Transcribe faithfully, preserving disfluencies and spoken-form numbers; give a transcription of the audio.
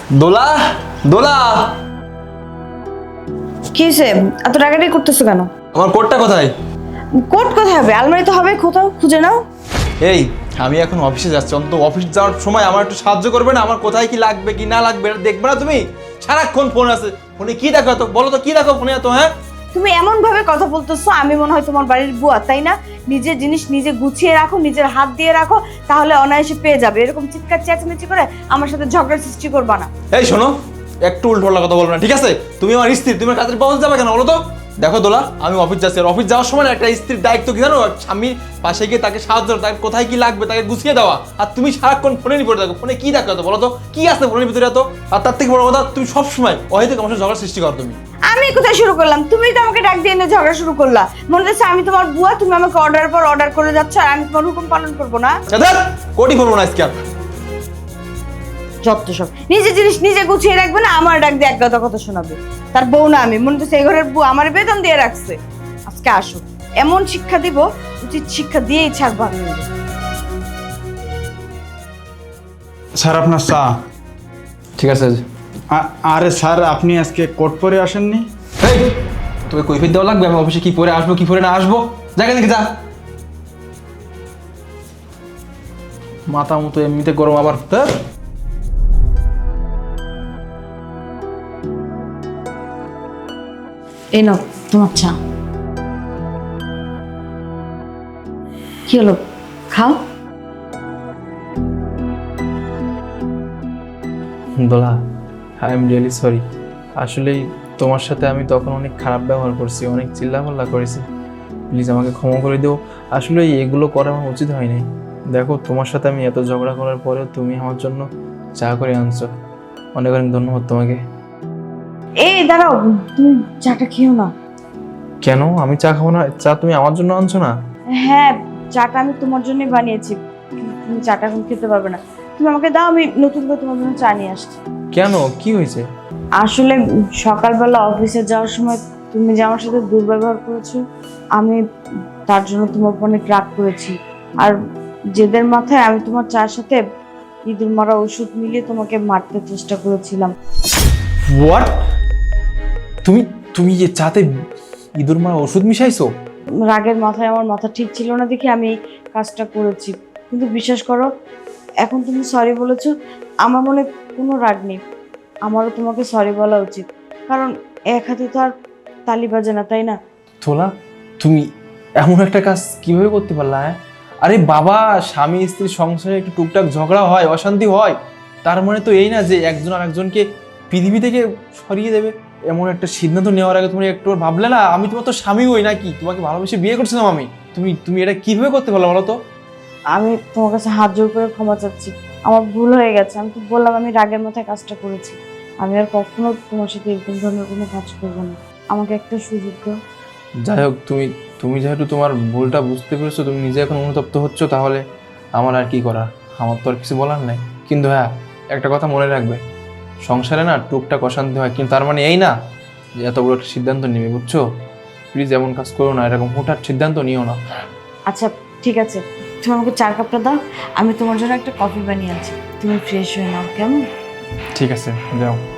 দোলা দোলা কি হয়েছে? এত রাগারাগি করতেছো কেন? আমার কোটটা কোথায়? কোট কোথায় হবে? আলমারিতে হবে, কোথাও খুঁজে নাও। এই আমি এখন অফিসে যাচ্ছি, অন্তত অফিস যাওয়ার সময় আমার একটু সাহায্য করবে না? আমার কোথায় কি লাগবে কি না লাগবে এটা দেখবে না তুমি? সারাক্ষণ ফোন আছে, ফোনে কি দেখো তো? বলো তো কি দেখো ফোনে এত? হ্যাঁ তুমি এমন ভাবে কথা বলতেছো আমি মনে হয় তোমার বাড়ির বুয়া, তাই না? নিজের জিনিস নিজে গুছিয়ে রাখো, নিজের হাত দিয়ে রাখো, তাহলে অনায়াসে পেয়ে যাবে। এরকম চিৎকার চেঁচামেচি করে আমার সাথে ঝগড়ার সৃষ্টি করবা না। এই শোনো, একটু উল্টোপাল্টা কথা বলবে না, ঠিক আছে? তুমি আমার স্ত্রী, তুমি আমার কাছে পৌঁছে যাবে কেন বলো তো? দেখো দোলা, আমি অফিস যাচ্ছি, আর অফিস যাওয়ার সময় না একটা স্ত্রীর দায়িত্ব কি জানো? স্বামীর পাশে গিয়ে তাকে সাহায্য, তাকে কোথায় কি লাগবে তাকে গুছিয়ে দেওয়া। আর তুমি সারাক্ষণ ফোনে নিয়ে পড়ে থাকো, ফোনে কি দেখো তো বলো তো? কি আছে ফোনের ভিতরে এত? আর তার থেকে বড় কথা, তুমি সবসময় অহেতুক আমার সাথে ঝগড়ার সৃষ্টি করো তুমি। আমি কোথায় শুরু করলাম? তুমি তো আমাকে ডাক দিয়ে এনে ঝগড়া শুরু করলা। মনে হচ্ছে আমি তোমার বুয়া, তুমি আমাকে অর্ডার পর অর্ডার করে যাচ্ছ আর আমি তোমার হুকুম পালন করবো না। কোটি বলবো না আজকে আর। যত সব নিজের জিনিস নিজে গুছিয়ে রাখবে না, আমার ডাক দিয়ে এক গাদা কথা শোনাবে। তার বউ না আমি, মনে হচ্ছে এই ঘরের বউ, আমার বেতন দিয়ে রাখছে। আজকে আসো, এমন শিক্ষা দিব, উচিত শিক্ষা দিয়েই ছাড়বো আমি। স্যার আপনার চা। ঠিক আছে। আ- আরে স্যার আপনি আজকে কোট পরে আসেননি? এই তোকে কৈফিয়ত দেওয়া লাগবে আমি অফিসে কি পরে আসবো কি পরে না আসবো? জায়গা দেখে যা। মাথা মতো এমনিতে গরম আবার। হ্যাঁ এই নাও তোমার চা। কি হলো, খাও। Dola, I am really sorry. আসলেই তোমার সাথে আমি তখন অনেক খারাপ ব্যবহার করছি, অনেক চিল্লাপাল্লা করেছি। প্লিজ আমাকে ক্ষমা করে দিও। আসলে এগুলো করা আমার উচিত হয়নি। দেখো, তোমার সাথে আমি এত ঝগড়া করার পরেও তুমি আমার জন্য চা করে আনছো। অনেক অনেক ধন্যবাদ তোমাকে। এই দাঁড়াও, তুমি চাটা খেও না। কেন আমি চা খাবো না? চা তুমি আমার জন্য আনছো না? হ্যাঁ, চাটা আমি তোমার জন্যই বানিয়েছি, কিন্তু তুমি চাটা এখন খেতে পারবে না। তুমি আমাকে দাও, আমি নতুন করে তোমার জন্য চা নিয়ে আসছি। কেন, কি হয়েছে? আসলে সকালবেলা অফিসে যাওয়ার সময় তুমি যে আমার সাথে দুর্ব্যবহার করেছো, আমি তার জন্য তোমার উপর অনেক রাগ করেছি। আর জেদের মাথায় আমি তোমার চার সাথে ইঁদুর মারা ওষুধ মিলিয়ে তোমাকে মারতে চেষ্টা করেছিলাম। হোয়াট? তুমি তুমি যে চাতে ইঁদুর মারা ওষুধ মিশাইছো? রাগের মাথায় আমার মাথা ঠিক ছিল না দেখে আমি এই কাজটা করেছি। কিন্তু বিশ্বাস করো, এখন তুমি সরি বলেছো, আমার মনে কোনো রাগ নেই। আমারও তোমাকে সরি বলা উচিত, কারণ এক হাতে তো আর তালি বাজে না, তাই না? তোলা, তুমি এমন একটা কাজ কিভাবে করতে পারলা? হ্যাঁ, আরে বাবা, স্বামী স্ত্রীর সংসারে একটু টুকটাক ঝগড়া হয়, অশান্তি হয়, তার মানে তো এই না যে একজন আরেকজনকে পৃথিবী থেকে সরিয়ে দেবে। এমন একটা সিদ্ধান্ত নেওয়ার আগে তুমি একটু ভাবলে না? আমি তোমার তো স্বামী হই নাকি? তোমাকে ভালোবেসে বিয়ে করছিলাম আমি। তুমি তুমি এটা কিভাবে করতে পারলো বলো তো? আমি তোমার কাছে হাত জোর করে ক্ষমা চাচ্ছি, আমার ভুল হয়ে গেছে। আমি তো বললাম আমি রাগের মাথায় কাজটা করেছি। আমি আর কখনো তোমার সাথে এরকম ধরনের কোনো কাজ করবো না। আমাকে একটা সুযোগ দাও। যাই হোক, তুমি তুমি যেহেতু তোমার ভুলটা বুঝতে পেরেছো, তুমি নিজে এখন অনুতপ্ত হচ্ছ, তাহলে আমার আর কি করার? আমার তো আর কিছু বলার নেই। কিন্তু হ্যাঁ, একটা কথা মনে রাখবে, সংসারে না টুকটাক অশান্তি হয়, কিন্তু তার মানে এই না যে এত বড় একটা সিদ্ধান্ত নেবে, বুঝছো? প্লিজ এমন কাজ করো না, এরকম হুটহাট সিদ্ধান্ত নিও না। আচ্ছা ঠিক আছে, তুমি আমাকে চার কাপটা দাও, আমি তোমার জন্য একটা কফি বানিয়ে আনছি। তুমি ফ্রেশ হয়ে নাও, কেমন? ঠিক আছে, যাও।